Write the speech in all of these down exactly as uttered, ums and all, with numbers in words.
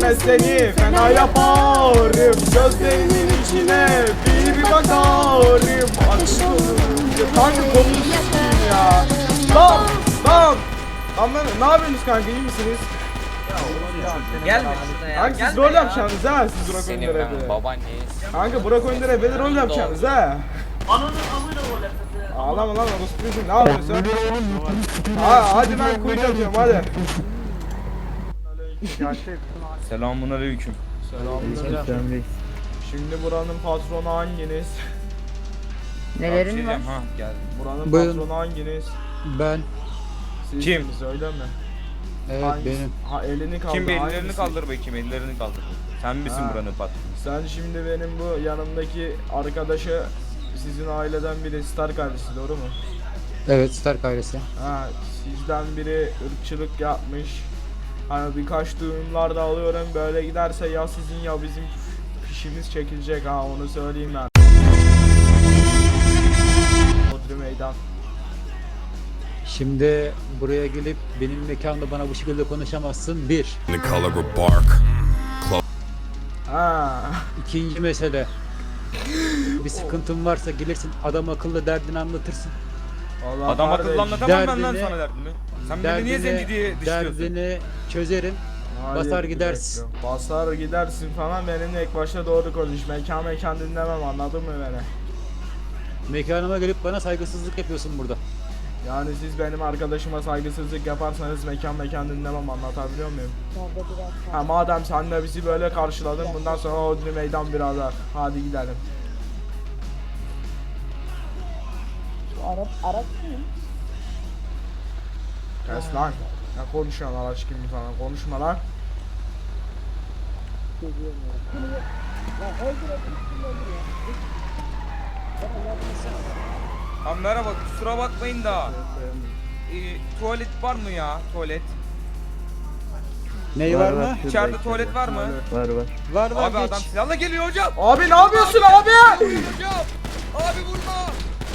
görmez seni fena yaparım. Gözlerinin içine bir bir bakarım. Kanka kolunu s**eyim ya. Lan lan. Ama ne yapıyorsunuz kanka, iyi misiniz? Gelme şurada ya. Kanka siz gelme rol ya. yapacaksınız ha, siz Burak Senin Önder'e ben be. babaanneyiz. Kanka Burak Önder'e be rol yapacaksınız ha. Ananın amıyla gol atası. Ağlama lan orospucuğum, ne yapıyorsun? Ha hadi ben kuyut atıyorum hadi. Selamun aleyküm. Selamünaleyküm. Şimdi buranın patronu hanginiz? Nelerin var? Ha geldim. Buranın Buyurun. patronu hanginiz? Ben. Kim? Sizsiniz, öyle mi? Evet Hangisi? benim. Ha elini kaldır. Kim bir ellerini hangisi? kaldır bakayım, ellerini kaldır. Sen misin Ha. buranın patronu? Sen şimdi benim bu yanımdaki arkadaşı sizin aileden biri, Star kardeşi, doğru mu? Evet, Stark ailesi. Ha, sizden biri ırkçılık yapmış. Hani birkaç duyumlar da alıyorum, böyle giderse ya sizin ya bizim fişimiz çekilecek, ha onu söyleyeyim ben. Bodrum meydan. Şimdi buraya gelip benim mekanımda bana bu şekilde konuşamazsın. Bir. The color of bark. Ha. İkinci mesele. Bir sıkıntın varsa gelirsin adam akıllı derdini anlatırsın. Vallahi Adam kardeş, akıllı anlatamam ben lan derdini- sana derdimi. Sen beni niye zenci diye dışlıyorsun? Derdini çözerim. hayır, basar bir gidersin. dakika. Basar gidersin falan, benimle ilk başta doğru konuş. Mekan mekan dinlemem, anladın mı beni? Mekanıma gelip bana saygısızlık yapıyorsun burada. Yani siz benim arkadaşıma saygısızlık yaparsanız mekan mekan dinlemem, anlatabiliyor muyum? Ha madem sen de bizi böyle karşıladın, bundan sonra Hodri meydan birader. Hadi gidelim. Arap, Arap kim? Kes lan. Ne konuşuyorsun araç gibi falan, konuşma lan. Ha merhaba, kusura bakmayın da. Ee, tuvalet var mı ya? Tuvalet. Ney var, mı? İçeride tuvalet var mı? Var var Abi geç. adam silahla geliyor hocam. Abi ne yapıyorsun abi? Hocam. Abi vurma.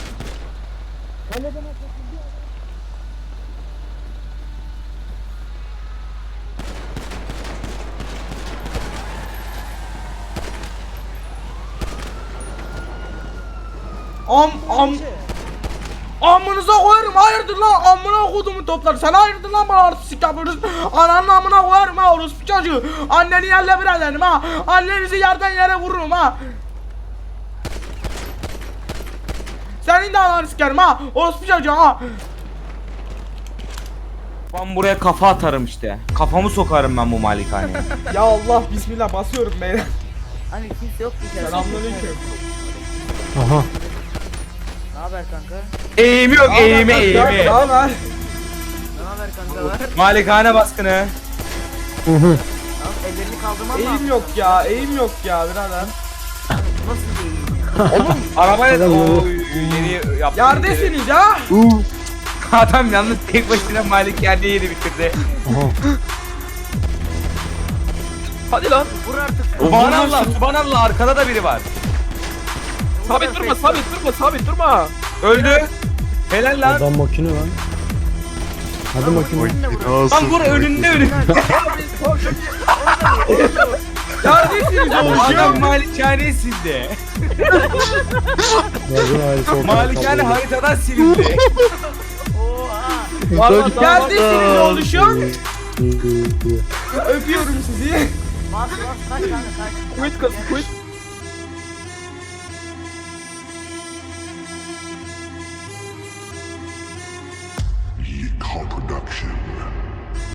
Am am Amınıza koyarım, hayırdır lan, amına kodumun topları, sen hayırdır lan, bana artistik yapıyoruz. Ananın amına koyarım ha, orospu çocuğu. Anneni yerle bir ederim ha, annenizi yerden yere vururum ha. Senin de ananı sikerim ha, orospu çocuğu ha. Ben buraya kafa atarım işte. Kafamı sokarım ben bu malikaneye. Ya Allah bismillah, basıyorum beyler. Hani kimse yok bir kere. Selamünaleyküm. Aha. Ne haber kanka? Eğimi yok, eğimi, Ne eğimi. haber? Ne haber kanka var? Malikane baskını. Tamam ellerini kaldırman lazım. Eğim yok ya, eğim yok ya birader. Nasıl değil ya? Arabayla o yeni yaptım. Yerdesiniz ya. Adam yalnız tek başına malikaneyi yeni bitirdi. Hadi lan. Vur artık. Subhanallah, subhanallah, arkada da biri var. Sabit durma, sabit durma, sabit durma. Öldü. Helal lan. Adam makine lan. Hadi makine. Lan vur önünde önünde. Yerdesiniz oğlum. Adam malikane sildi. Malikane haritadan silindi. Oha. Yerdesiniz oluşum. Öpüyorum sizi. Bas bas kaç tane kaç. Quit kız, quit. Yeet Production.